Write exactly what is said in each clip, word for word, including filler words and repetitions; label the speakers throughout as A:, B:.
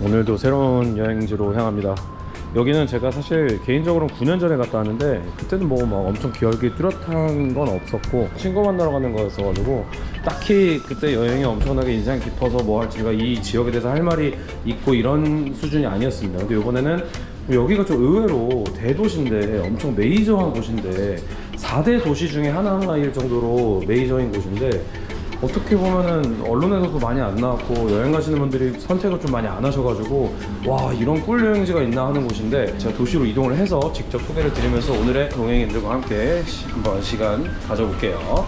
A: 오늘도 새로운 여행지로 향합니다. 여기는 제가 사실 개인적으로는 구 년 전에 갔다 왔는데 그때는 뭐 막 엄청 기억이 뚜렷한 건 없었고 친구 만나러 가는 거였어가지고 딱히 그때 여행이 엄청나게 인상 깊어서 뭐 할 제가 이 지역에 대해서 할 말이 있고 이런 수준이 아니었습니다. 근데 이번에는 여기가 좀 의외로 대도시인데 엄청 메이저한 곳인데 사 대 도시 중에 하나일 정도로 메이저인 곳인데 어떻게 보면은 언론에서도 많이 안 나왔고 여행 가시는 분들이 선택을 좀 많이 안 하셔가지고 와 이런 꿀 여행지가 있나 하는 곳인데 제가 도시로 이동을 해서 직접 소개를 드리면서 오늘의 동행인들과 함께 시, 한번 시간 가져볼게요.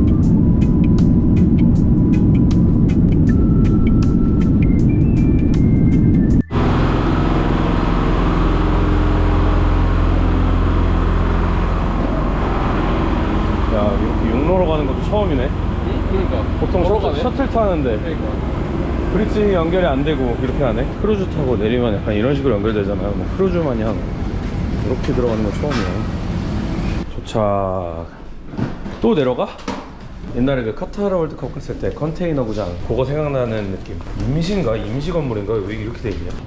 A: 야 이렇게 육로로 가는 것도 처음이네.
B: 그러니까
A: 보통 셔틀, 셔틀 타는데
B: 그러니까.
A: 브릿지 연결이 안 되고 이렇게 하네. 크루즈 타고 내리면 약간 이런 식으로 연결되잖아요. 뭐 크루즈 마냥 이렇게 들어가는 건 처음이에요. 도착. 또 내려가? 옛날에 그 카타르 월드컵 갔을 때 컨테이너 구장 그거 생각나는 느낌. 임시인가? 임시 건물인가? 왜 이렇게 돼 있냐?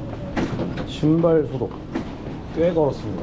A: 신발 소독 꽤 걸었습니다.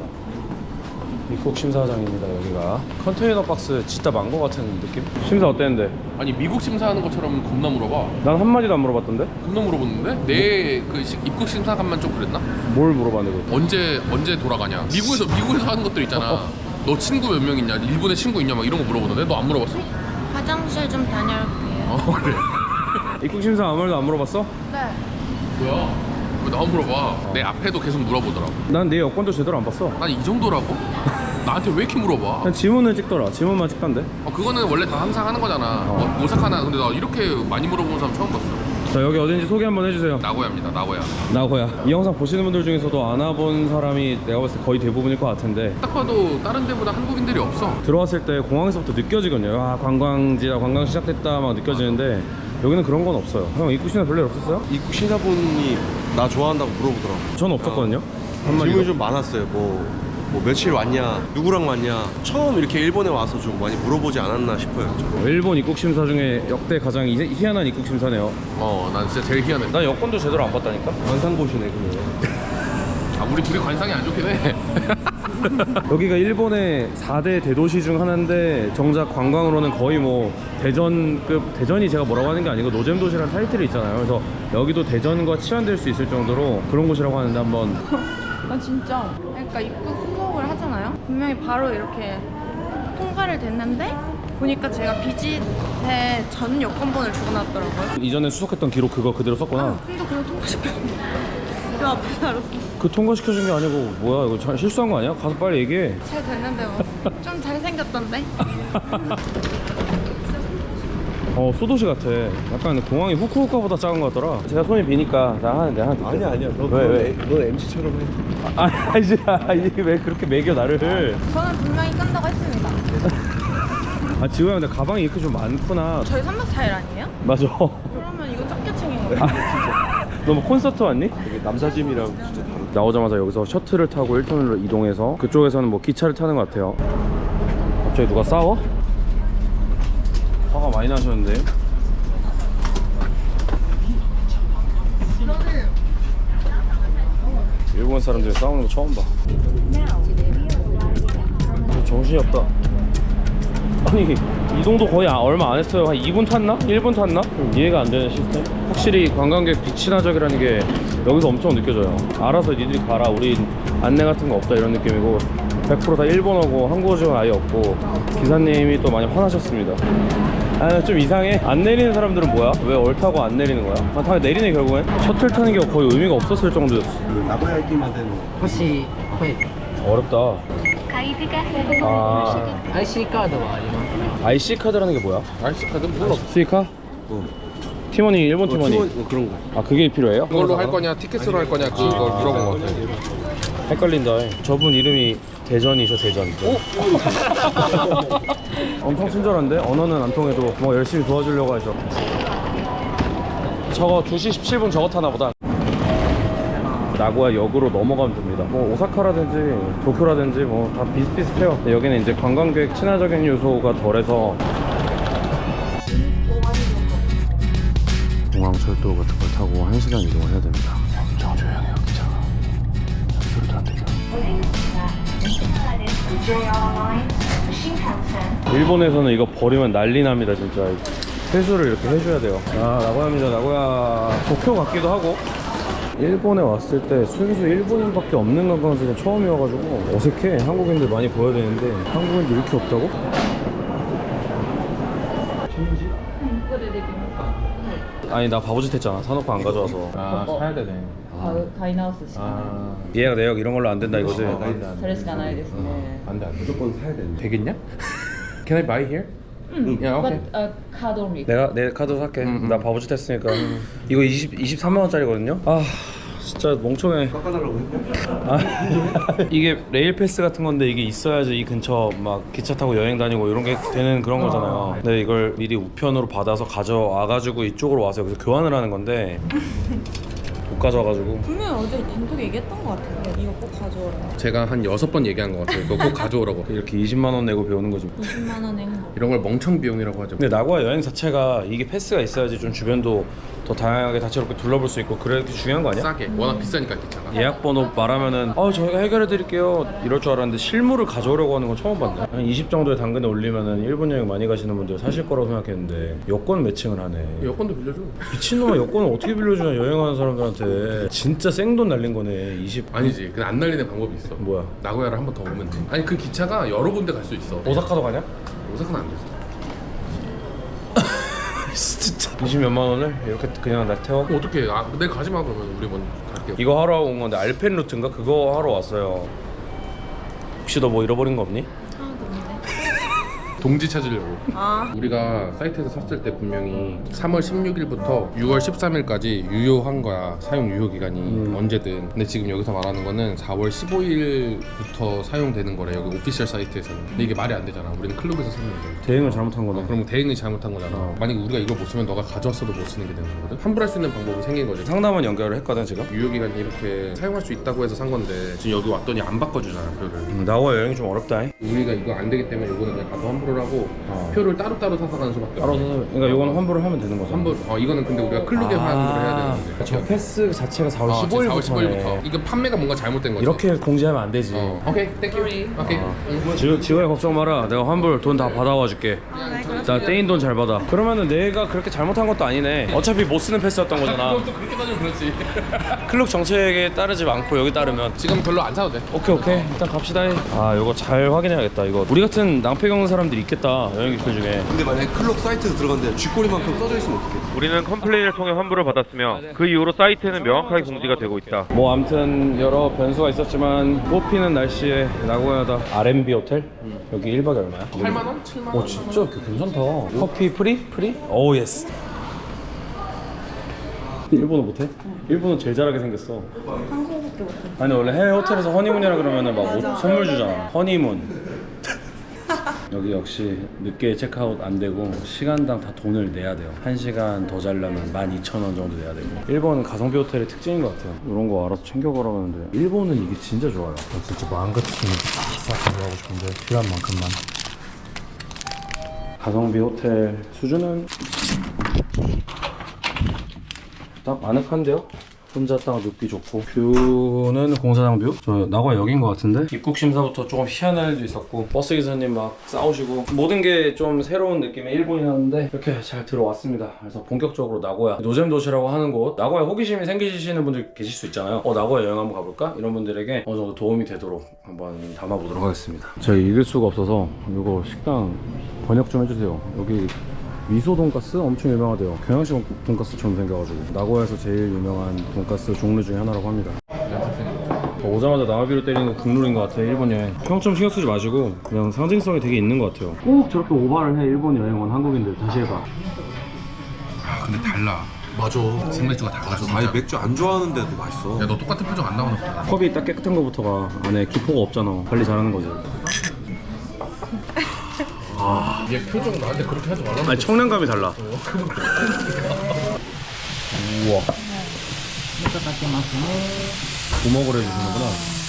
A: 입국 심사장입니다. 여기가 컨테이너 박스 진짜 많은 거 같은 느낌? 심사 어땠는데?
B: 아니 미국 심사하는 것처럼 겁나 물어봐.
A: 난 한마디도 안 물어봤던데?
B: 겁나 물어보는데? 내 그 입국 심사관만 좀 그랬나?
A: 뭘 물어봤는데?
B: 언제 언제 돌아가냐? 미국에서 미국에서 하는 것들 있잖아. 너 친구 몇 명 있냐? 일본에 친구 있냐? 막 이런 거 물어보는데 너 안 물어봤어?
C: 화장실 좀 다녀올게요.
B: 어 그래.
A: 입국 심사 아무 말도 안 물어봤어?
C: 네.
B: 뭐야? 왜 나 안 물어봐? 내 앞에도 계속 물어보더라고.
A: 난 내 여권도 제대로 안 봤어.
B: 난 이 정도라고? 나한테 왜 이렇게 물어봐?
A: 그냥 지문을 찍더라. 지문만 찍던데.
B: 어, 그거는 원래 다 항상 하는 거잖아.
A: 어.
B: 어, 오사카나. 근데 나 이렇게 많이 물어보는 사람 처음 봤어.
A: 자 여기 어딘지 소개 한번 해주세요.
B: 나고야입니다. 나고야.
A: 나고야. 이 영상 보시는 분들 중에서도 안 와본 사람이 내가 봤을 때 거의 대부분일 것 같은데
B: 딱 봐도 다른 데보다 한국인들이 없어.
A: 들어왔을 때 공항에서부터 느껴지거든요. 아 관광지다, 관광 시작됐다 막 느껴지는데 여기는 그런 건 없어요. 형 입국 심사 별일 없었어요?
D: 입국 심사분이 나 좋아한다고 물어보더라고.
A: 저는 없었거든요.
D: 질문이 좀 많았어요. 뭐, 뭐 며칠 왔냐, 누구랑 왔냐. 처음 이렇게 일본에 와서 좀 많이 물어보지 않았나 싶어요. 저는.
A: 일본 입국 심사 중에 역대 가장 희- 희한한 입국 심사네요.
B: 어, 난 진짜 제일 희한해.
A: 나 여권도 제대로 안 봤다니까.
D: 관상 보시네 그러면.
B: 아, 우리 둘이 관상이 안 좋긴 해.
A: 여기가 일본의 사 대 대도시 중 하나인데 정작 관광으로는 거의 뭐 대전급, 대전이 제가 뭐라고 하는 게 아니고 노잼 도시라는 타이틀이 있잖아요. 그래서 여기도 대전과 치환될 수 있을 정도로 그런 곳이라고 하는데 한번
C: 나 진짜 그러니까 입구 수속을 하잖아요. 분명히 바로 이렇게 통과를 됐는데 보니까 제가 비짓에 전 여권번을 적어놨더라고요.
A: 이전에 수속했던 기록 그거 그대로 썼구나.
C: 아, 근데 그냥 통과시켰는데 그 앞에서 알았어.
A: 그 통과시켜준 게 아니고 뭐야 이거 잘 실수한 거 아니야? 가서 빨리 얘기해.
C: 잘 됐는데 뭐 좀 잘생겼던데?
A: 어 소도시 같아. 약간 공항이 후쿠오카보다 작은 것 같더라. 제가 손이 비니까 나 하는데 하나 듣게.
D: 아니야 아니야. 너,
A: 왜,
D: 너,
A: 왜?
D: 너 엠씨처럼 해.
A: 아 아니지. 아, 이게 왜 그렇게 매겨 나를.
C: 저는 분명히 끈다고 했습니다.
A: 아 지호야 근데 가방이 이렇게 좀 많구나.
C: 저희 삼 박 사 일 아니에요?
A: 맞아.
C: 그러면 이거 적게 챙긴 거예요.
A: 너 뭐 콘서트 왔니?
D: 되게 남사짐이랑 진짜 다르다.
A: 나오자마자 여기서 셔틀을 타고 일 터널로 이동해서 그쪽에서는 뭐 기차를 타는 것 같아요. 갑자기 누가 싸워? 화가 많이 나셨는데. 일본 사람들이 싸우는 거 처음 봐. 정신이 없다. 아니 이동도 거의 아- 얼마 안 했어요. 한 이 분 탔나? 일 분 탔나? 이해가 안 되는 시스템. 확실히 관광객 비친화적이라는 게 여기서 엄청 느껴져요. 알아서 니들이 가라, 우리 안내 같은 거 없다 이런 느낌이고 백 퍼센트 다 일본어고 한국어 지원 아예 없고 기사님이 또 많이 화나셨습니다. 아 좀 이상해. 안 내리는 사람들은 뭐야? 왜 얼타고 안 내리는 거야? 아, 다 내리네 결국엔. 셔틀 타는 게 거의 의미가 없었을 정도였어.
D: 그 나고야 있기만 된.
E: もし、はい、
A: 어렵다. 아
E: 아이씨 カードはありますか？
A: 아이씨 카드라는 게 뭐야?
B: 아이씨 카드 몰라.
A: 스이카?
D: 어.
A: 티머니 일본
D: 어,
A: 티머니.
D: 팀원, 어, 그런 거.
A: 아 그게 필요해요?
B: 그걸로 할 거냐, 티켓으로 할 거냐 그걸 물어본 거 같아.
A: 헷갈린다. 저분 이름이 대전이셔 대전. 엄청 친절한데 언어는 안 통해도 뭐 열심히 도와주려고 하셔. 저거 두 시 십칠 분 저거 타나 보다. 나고야 역으로 넘어가면 됩니다. 뭐 오사카라든지 도쿄라든지 뭐 다 비슷비슷해요. 근데 여기는 이제 관광객 친화적인 요소가 덜해서 공항 철도 같은 걸 타고 한 시간 이동을 해야 됩니다.
B: 엄청 조용해요 기차가. 소리도 안 들려.
A: 일본에서는 이거 버리면 난리 납니다 진짜. 회수를 이렇게 해줘야 돼요. 아 나고야입니다. 나고야 도쿄 같기도 하고. 일본에 왔을 때 순수 일본인밖에 없는 관광지는 처음이어가지고 어색해. 한국인들 많이 보여야 되는데 한국인들 이렇게 없다고? 아니 나 바보짓 했잖아. 사놓고 안 가져와서.
B: 아 사야 되네.
F: 買う買い直すしかない
B: 아
A: 예약 내역 이런 걸로 안 된다 이거지?
F: それしかないですね
B: 안돼 안돼.
D: 무조건 사야 되는데.
B: 되겠냐? Can I buy here? 응. 야 오케이.
F: But uh, card only
A: 내가 내 카드 살게.
B: 음,
A: 나 바보짓 했으니까. 이거 이십, 이십삼만 원짜리거든요? 아 진짜 멍청해.
D: 깎아달라고 했고.
A: 아, 이게 레일 패스 같은 건데 이게 있어야지 이 근처 막 기차 타고 여행 다니고 이런 게 되는 그런 거잖아요. 근데 이걸 미리 우편으로 받아서 가져와가지고 이쪽으로 와서 여기서 교환을 하는 건데 못 가져와가지고.
C: 분명히 어제 단톡에 얘기했던 것 같은데 이거 꼭 가져오라고.
B: 제가 한 여섯 번 얘기한 것 같아요. 그거 꼭 가져오라고.
A: 이렇게 이십만 원 내고 배우는 거지.
C: 이십만 원의 행복.
B: 이런 걸 멍청 비용이라고 하죠.
A: 근데 나고야 여행 자체가 이게 패스가 있어야지 좀 주변도 더 다양하게 다채롭게 둘러볼 수 있고 그래 중요한 거 아니야?
B: 싸게. 워낙 비싸니까 기차가.
A: 예약 번호 말하면은 어 저희가 해결해 드릴게요 이럴 줄 알았는데 실물을 가져오려고 하는 건 처음 봤네. 한 이십 정도의 당근에 올리면은 일본 여행 많이 가시는 분들 사실 거라고 생각했는데 여권 매칭을 하네.
B: 여권도 빌려줘.
A: 미친놈아 여권을 어떻게 빌려주냐 여행하는 사람들한테. 진짜 생돈 날린 거네. 이십
B: 아니지. 근데 안 날리는 방법이 있어.
A: 뭐야?
B: 나고야를 한 번 더 오면 돼. 아니 그 기차가 여러 군데 갈 수 있어.
A: 오사카도 가냐?
B: 오사카는 안 되지.
A: 진짜 이십 몇만 원을 이렇게 그냥 날 태워?
B: 그럼 어떻게? 아, 내일 가지 마 그러면 우리 먼저 갈게요.
A: 이거 하러 온 건데 알펜 루트인가? 그거 하러 왔어요. 혹시 너 뭐 잃어버린 거 없니?
B: 동지 찾으려고.
C: 아.
B: 우리가 사이트에서 샀을 때 분명히 삼월 십육일부터 유월 십삼일까지 유효한 거야. 사용 유효 기간이
A: 음.
B: 언제든. 근데 지금 여기서 말하는 거는 사월 십오일부터 사용되는 거래. 여기 오피셜 사이트에서는. 근데 이게 말이 안 되잖아. 우리는 클럽에서 샀는데.
A: 대응을 잘못한 거네.
B: 그럼 대행이 잘못한 거잖아.
A: 어.
B: 만약에 우리가 이걸 못 쓰면 너가 가져왔어도 못 쓰는 게 되는 거거든. 환불할 수 있는 방법이 생긴 거지.
A: 상담원 연결을 했거든 지금.
B: 유효 기간이 이렇게 사용할 수 있다고 해서 산 건데 지금 여기 왔더니 안 바꿔주잖아 표를.
A: 음, 나와 여행이 좀 어렵다. 잉?
B: 우리가 이거 안 되기 때문에 이거는 그냥 가서 환불을 하고
A: 어.
B: 표를 따로따로 사서 가는 수밖에
A: 따로
B: 없어.
A: 사서 그러니까 이거는 환불을 하면 되는 거죠.
B: 환불. 어 이거는 근데 우리가 클룩에 환불을 해야 되는데.
A: 저 패스 자체가 사월
B: 어, 사월 십오일부터.
A: 십오일부터네.
B: 이거 판매가 뭔가 잘못된 거지.
A: 이렇게 공지하면 안 되지.
B: 어. 오케이, 땡큐. 오케이. 응.
A: 지, 지호야 걱정 마라. 내가 환불 돈 다 받아와 줄게. 나 떼인 돈 잘 받아. 그러면은 내가 그렇게 잘못한 것도 아니네. 어차피 못 쓰는 패스였던 거잖아.
B: 그것도 그렇게 따지면 그렇지.
A: 클럽 정책에 따르지 않고 여기 따르면.
B: 지금 별로 안 사도 돼.
A: 오케이 오케이 일단 갑시다. 아 이거 잘 확인해야겠다. 이거 우리 같은 낭패 겪는 사람들이 있겠다 여행 기술 중에.
D: 근데 만약에 클럽 사이트에서 들어갔는데 쥐꼬리만큼 써져 있으면 어떡해?
A: 우리는 컴플레인을 통해 환불을 받았으며 그 이후로 사이트에는 명확하게 공지가 되고 있다. 뭐 아무튼 여러 변수가 있었지만 꽃피는 날씨에 나고야다. 알엠비 호텔? 여기 일 박에 얼마야?
B: 팔만 원? 칠만 원?
A: 오 진짜 괜찮다. 커피 프리? 프리? 오 예스. 일본어 못해? 일본어 제일 잘하게 생겼어.
C: 한국어밖에 못해.
A: 아니 원래 해외 호텔에서 허니문이라 그러면은 막 옷 선물 주잖아. 허니문. 여기 역시 늦게 체크아웃 안 되고 시간당 다 돈을 내야 돼요. 한 시간 더 자려면 만 이천 원 정도 내야 되고. 일본은 가성비 호텔의 특징인 것 같아요. 이런 거 알아서 챙겨가라는데 일본은 이게 진짜 좋아요. 나 진짜 마음 같으면 싹 가져가고 싶은데 필요한 만큼만. 가성비 호텔 수준은 딱 아늑한데요? 혼자 딱 눕기 좋고. 뷰는 공사장 뷰? 저 나고야 여긴 것 같은데? 입국 심사부터 조금 희한한 일도 있었고 버스 기사님 막 싸우시고 모든 게 좀 새로운 느낌의 일본이었는데 이렇게 잘 들어왔습니다. 그래서 본격적으로 나고야 노잼 도시라고 하는 곳. 나고야 호기심이 생기시는 분들 계실 수 있잖아요. 어 나고야 여행 한번 가볼까? 이런 분들에게 어느 정도 도움이 되도록 한번 담아보도록 하겠습니다. 제가 읽을 수가 없어서 이거 식당 번역 좀 해주세요. 여기 미소 돈가스 엄청 유명하대요. 경양식 돈가스처럼 생겨가지고 나고야에서 제일 유명한 돈가스 종류 중에 하나라고 합니다. 오자마자 나와비로 때리는 거 국룰인 것 같아요. 일본 여행 평점 신경 쓰지 마시고 그냥 상징성이 되게 있는 것 같아요. 꼭 저렇게 오바를 해. 일본 여행 온 한국인들 다시 해봐.
B: 아 근데 달라. 맞아. 생맥주가 달라. 진짜.
D: 아니 맥주 안 좋아하는데도 맛있어.
B: 야 너 똑같은 표정 안 나오나 보다.
A: 컵이 딱 깨끗한 거부터가 안에 기포가 없잖아. 관리 잘하는 거지.
B: 얘 표정 나한테 그렇게 하지 말라고.
A: 아니 청량감이 달라. 우와.
F: みそかけますね
A: 부먹을 해주시는구나.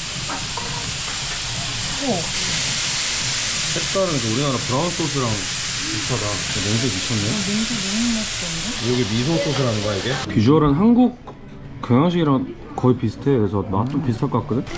A: 색깔은 그 우리나라 브라운 소스랑 비슷하다. 냄새 미쳤네.
F: 냄새 너무 맛있던데?
A: 여기 미소 소스라는 거야 이게? 비주얼은 한국 경양식이랑 거의 비슷해. 그래서 맛 좀 비슷할 것 같거든.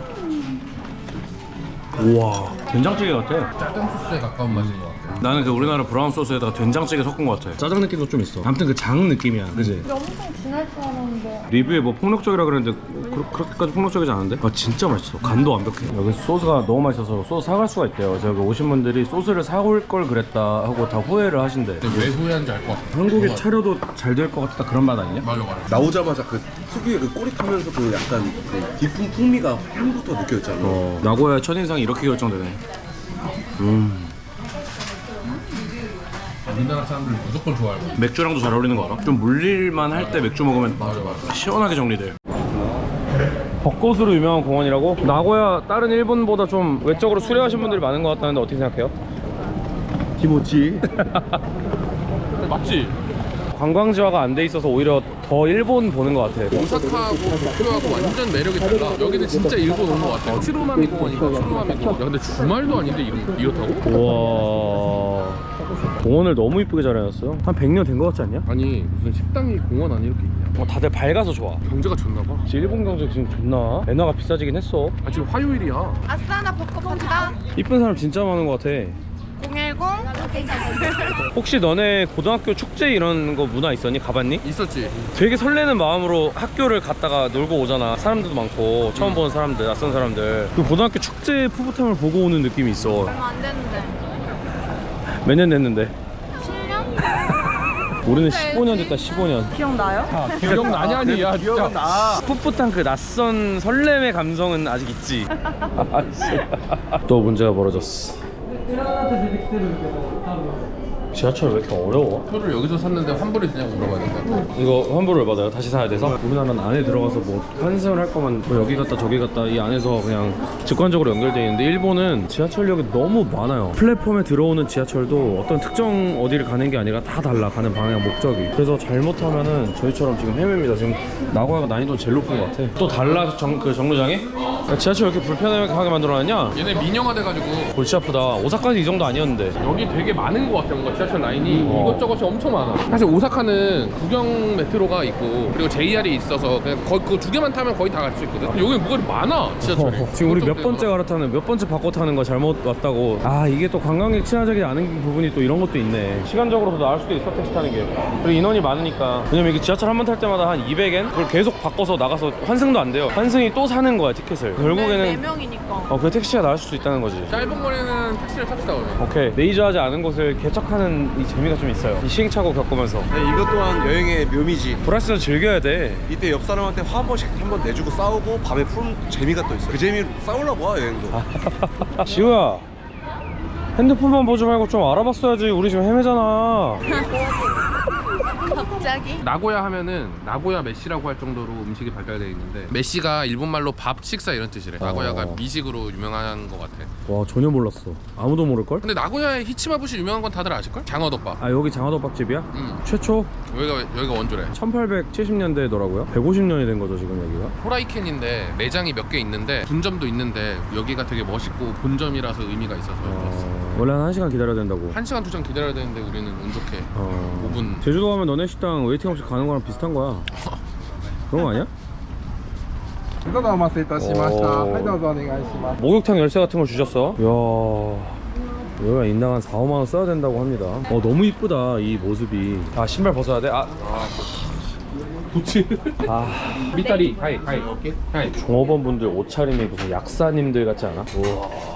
A: 우와, 된장찌개 같아.
B: 짜장 소스에 가까운 맛인 것 같아.
A: 나는 그 우리나라 브라운 소스에다가 된장찌개 섞은 것 같아. 짜장 느낌도 좀 있어. 아무튼 그 장 느낌이야, 그지?
C: 엄청 진할 줄 알았는데.
A: 리뷰에 뭐 폭력적이라 그랬는데 그, 그렇게까지 폭력적이지 않은데? 아 진짜 맛있어. 간도 완벽해. 여기 소스가 너무 맛있어서 소스 사갈 수가 있대요. 그래서 여기 오신 분들이 소스를 사올 걸 그랬다 하고 다 후회를 하신대.
B: 근데 왜 후회한지 알 것 같아.
A: 한국에 차려도 잘 될 것 같다 그런 맛 아니냐?
B: 맞아 맞아.
D: 나오자마자 그 특유의 그 꼬릿하면서 그 약간 그 깊은 풍미가 향부터 느껴졌잖아.
A: 어, 나고야의 첫인상이 이렇게 결정되네. 음.
B: 우리나라 사람들 무조건 좋아할 거야.
A: 맥주랑도 잘 어울리는 거 알아? 좀 물릴만 할 때 맥주 먹으면
B: 맞아 맞아.
A: 시원하게 정리돼. 벚꽃으로 유명한 공원이라고? 나고야 다른 일본보다 좀 외적으로 수려하신 분들이 많은 것 같다는데 어떻게 생각해요?
D: 기모찌.
B: 맞지?
A: 관광지화가 안 돼 있어서 오히려 더 일본 보는 것 같아.
B: 오사카하고 도쿄하고 완전 매력이 달라. 여기는 진짜 일본 온 것 같아. 치로마미 공원인가 치로마미 공원. 야 근데 주말도 아닌데 이런, 이렇다고?
A: 우와, 공원을 너무 이쁘게 잘 해놨어요. 한 백 년 된 것 같지 않냐?
B: 아니 무슨 식당이 공원 안에 이렇게 있냐?
A: 어, 다들 밝아서 좋아.
B: 경제가 좋나 봐.
A: 지금 일본 경제 지금 좋나? 엔화가 비싸지긴 했어.
B: 아 지금 화요일이야.
C: 아싸 나 벚꽃 봤다.
A: 이쁜 사람 진짜 많은 것 같아.
C: 공일공.
A: 혹시 너네 고등학교 축제 이런 거 문화 있었니? 가봤니?
B: 있었지.
A: 되게 설레는 마음으로 학교를 갔다가 놀고 오잖아. 사람들도 많고 처음 보는 사람들, 낯선 사람들. 그 고등학교 축제 푸붓함을 보고 오는 느낌이 있어.
C: 얼마 안 됐는데.
A: 몇 년 됐는데?
C: 칠 년?
A: 우리는 십오 년 됐다. 십오 년.
C: 기억나요?
B: 기억나냐니 야 진짜.
A: 풋풋한 그 낯선 설렘의 감성은 아직 있지. 또 문제가 벌어졌어. 지하철 왜 이렇게 어려워?
B: 표를 여기서 샀는데 환불이 되냐고 물어봐야 된다.
A: 이거 환불을 받아요? 다시 사야 돼서? 우리나라는 안에 들어가서 뭐 환승을 할 거면 뭐 여기 갔다 저기 갔다 이 안에서 그냥 직관적으로 연결되어 있는데 일본은 지하철역이 너무 많아요. 플랫폼에 들어오는 지하철도 어떤 특정 어디를 가는 게 아니라 다 달라. 가는 방향 목적이. 그래서 잘못하면은 저희처럼 지금 헤매입니다. 지금 나고야가 난이도 제일 높은 것 같아. 또 달라 정, 그 정류장이? 야, 지하철 왜 이렇게 불편하게 만들어놨냐?
B: 얘네 민영화 돼가지고
A: 골치 아프다. 오사카는 이 정도 아니었는데.
B: 여기 되게 많은 것 같아. 뭔가 지하철 라인이
A: 어.
B: 이것저것이 엄청 많아. 사실 오사카는 구경 메트로가 있고 그리고 제이알이 있어서 그냥 거의 그거 두 개만 타면 거의 다 갈 수 있거든. 여기 뭐가 많아 지하철이.
A: 어, 지금 우리 몇
B: 그것도
A: 번째 갈아타는 몇 번째 바꿔 타는 거 잘못 왔다고. 아 이게 또 관광객 친화적이지 않은 부분이 또 이런 것도 있네. 시간적으로도 나을 수도 있어 택시 타는 게. 그리고 인원이 많으니까. 왜냐면 이게 지하철 한 번 탈 때마다 한 이백 엔 그걸 계속 바꿔서 나가서 환승도 안 돼요. 환승이 또 사는 거야 티켓을.
C: 네
A: 결국에는
C: 명이니까.
A: 어 그 택시가 나을 수도 있다는 거지.
B: 짧은 거리는 택시를 탑시다 오늘.
A: 오케이, 레이저하지 않은 곳을 개척하는 이 재미가 좀 있어요. 이 시행착오 겪으면서.
D: 네, 이것 또한 여행의 묘미지.
A: 브라스는 즐겨야 돼.
D: 이때 옆 사람한테 화 한 번씩 한 번 내주고 싸우고 밤에 푸는 재미가 또 있어. 그 재미로 싸우려고 와 여행도.
A: 지우야, 핸드폰만 보지 말고 좀 알아봤어야지. 우리 지금 헤매잖아.
C: 갑자기?
B: 나고야 하면은 나고야 메시라고 할 정도로 음식이 발달되어 있는데 메시가 일본말로 밥, 식사 이런 뜻이래. 나고야가
A: 어.
B: 미식으로 유명한 것 같아.
A: 와 전혀 몰랐어. 아무도 모를걸?
B: 근데 나고야의 히치마부시 유명한 건 다들 아실걸? 장어덮밥.
A: 아 여기 장어덮밥집이야?
B: 음.
A: 최초
B: 여기가 여기가 원조래.
A: 천팔백칠십 년대더라고요. 백오십 년이 된 거죠 지금 여기가.
B: 호라이켄인데 매장이 몇 개 있는데 분점도 있는데 여기가 되게 멋있고 본점이라서 의미가 있어서 왔어.
A: 어... 원래 한 한 시간 기다려야 된다고.
B: 한 시간 두 시간 기다려야 되는데 우리는 운 좋게
A: 어...
B: 오 분.
A: 제주도 가면 너네 식당 웨이팅 없이 가는 거랑 비슷한 거야. 그런 거 아니야?
G: どうぞお待たせいたしました。
A: おー
G: はい、どうぞお願いします。
A: 목욕탕 열쇠 같은 걸 주셨어. 이야, 여기가 인당 한 사, 오만 원 써야 된다고 합니다. 어 너무 이쁘다 이 모습이. 아 신발 벗어야 돼? 아,
B: 부츠.
A: 아
B: 미타리. 하이 하이. 오케이. 하이.
A: 종업원 분들 옷차림이 무슨 약사님들 같지 않아? 우와.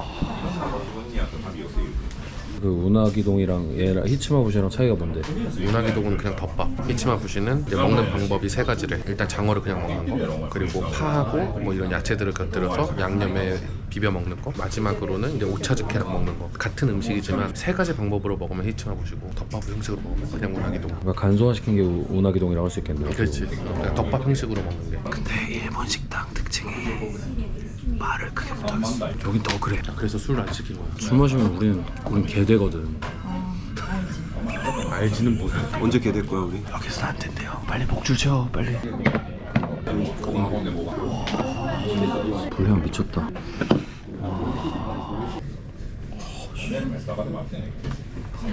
A: 그 운하기동이랑 얘랑 히치마부시랑 차이가 뭔데?
B: 유나기동은 그냥 덮밥. 히치마부시는 이제 먹는 방법이 세 가지래. 일단 장어를 그냥 먹는 거, 그리고 파하고 뭐 이런 야채들을 곁들여서 양념에 비벼 먹는 거, 마지막으로는 이제 오차즈케랑 먹는 거. 같은 음식이지만 세 가지 방법으로 먹으면 히치마부시고 덮밥 형식으로 먹으면 그냥 운하기동.
A: 그러니까 간소화시킨 게 우- 운하기동이라고 할 수 있겠네요.
B: 그렇지. 그냥 덮밥 형식으로 먹는 게.
A: 근데 일본 식당 특징이 말을 크게 못하겠어. 여긴 더 그래.
B: 그래서 술을 안 시킨 거야.
A: 술 마시면 우리는 우린 개되거든.
B: 알지는 뭐야.
D: 언제 개될 거야 우리?
A: 여기서 안 된대요. 빨리 목줄 채워 빨리. 불향 미쳤다.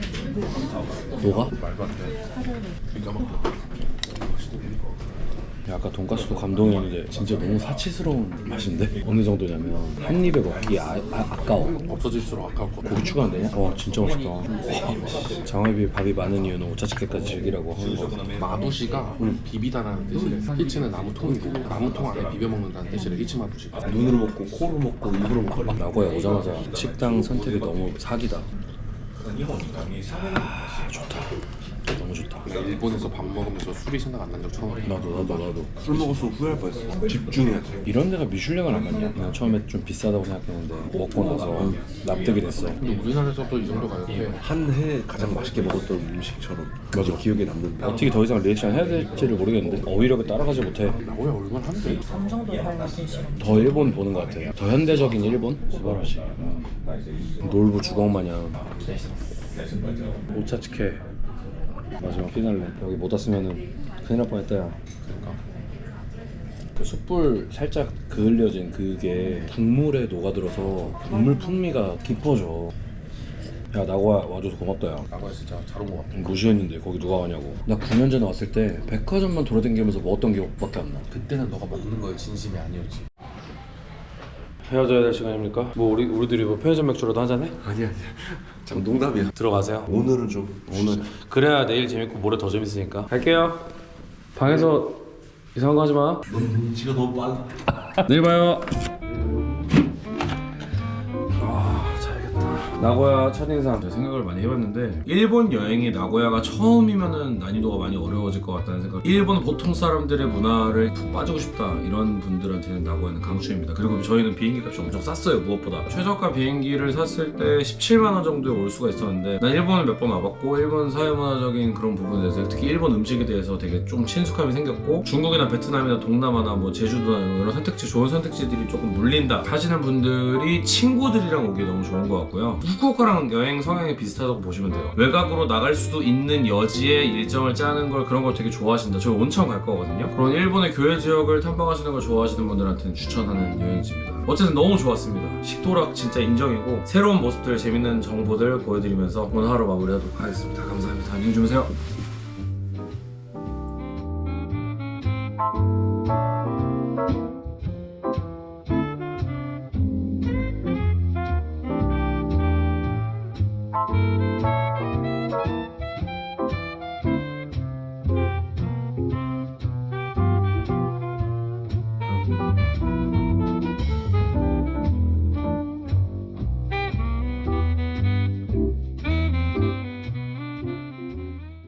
A: 녹아?
B: 말도 안 돼. 기가 막혀.
A: 야, 아까 돈가스도 감동이었는데 진짜 너무 사치스러운 맛인데? 어느 정도냐면 한 입에 먹기 아, 아, 아까워.
B: 없어질수록 아까울 것 같아.
A: 고기 추가 안 되냐? 와 진짜 맛있다. 와, 장어에 밥이 많은 이유는 오차즈케까지 즐기라고 하는 거.
B: 마부시가 비비다라는 뜻이래. 히치는 나무통이고 나무통 안에 비벼 먹는다는 뜻이래. 히치 마부시.
A: 눈으로 먹고 코로 먹고 입으로 먹고. 나고야 오자마자 식당 선택이 너무 사기다. 아, 좋다. 너무 좋다.
B: 일본에서 밥 먹으면서 술이 생각 안 난 적 처음이야.
A: 나도 나도 나도.
D: 술 먹었으면 후회할 뻔했어. 집중해야 돼.
A: 이런 데가 미슐랭을 안 맞냐? 그냥 처음에 좀 비싸다고 생각했는데 먹고 나서 납득이 됐어.
B: 근데 우리나라에서도 이 정도 가격대
D: 한 해 가장 맛있게 먹었던 음식처럼 맞아 기억에 남는다.
A: 어떻게 더 이상 리액션 해야 될지를 모르겠는데 어휘력을 따라가지 못해.
B: 나고야 얼마나 한대?
A: 더 일본 보는 것 같아. 더 현대적인 일본? 스바라시. 놀부 주걱 마냥. 오차츠케 마지막 피날레. 여기 못 왔으면은 큰일 날 뻔했다 야.
B: 그러니까
A: 그 숯불 살짝 그을려진 그게 국물에 녹아들어서 국물 풍미가 깊어져. 야 나고야 와줘서 고맙다 야.
B: 나고야 진짜 잘 온 것 같아.
A: 무시했는데 거기 누가 가냐고. 나 구 년 전에 왔을 때 백화점만 돌아다니면서 먹었던 기억밖에 안 나.
B: 그때는 너가 먹는 거에 진심이 아니었지.
A: 헤어져야 될 시간입니까? 뭐 우리 우리들이 뭐 편의점 맥주라도 한잔 해?
D: 아니야 아니야. 참 농담이야.
A: 들어가세요.
D: 오늘은 좀
A: 오늘 그래야 내일 재밌고 모레 더 재밌으니까. 갈게요. 방에서 이상한 거 하지 마.
D: 너 눈치가 너무 빨라.
A: 내일 봐요. 아 자야겠다. 나고야 첫인상 생각을 많이 해봤는데 일본 여행이 나고야가 처음이면은 난이도가 많이 어려워질 것 같다는 생각. 일본 보통 사람들의 문화를 푹 빠지고 싶다 이런 분들한테는 나고야는 강추입니다. 그리고 저희는 비행기 값이 엄청 쌌어요. 무엇보다 최저가 비행기를 샀을 때 십칠만 원 정도에 올 수가 있었는데 난 일본을 몇 번 와봤고 일본 사회문화적인 그런 부분에 대해서 특히 일본 음식에 대해서 되게 좀 친숙함이 생겼고 중국이나 베트남이나 동남아나 뭐 제주도나 이런 선택지 좋은 선택지들이 조금 물린다 하시는 분들이 친구들이랑 오기 너무 좋은 것 같고요. 후쿠오카랑 여행 성향이 비슷하다고 보시면 돼요. 외곽으로 나갈 수도 있는 여지에 일정을 짜는 걸 그런 걸 되게 좋아하신다. 저희 온천 갈 거거든요. 그런 일본의 교외 지역을 탐방하시는 걸 좋아하시는 분들한테는 추천하는 여행지입니다. 어쨌든 너무 좋았습니다. 식도락 진짜 인정이고 새로운 모습들 재밌는 정보들 보여드리면서 오늘 하루 마무리하도록 하겠습니다. 감사합니다. 안녕히 주무세요.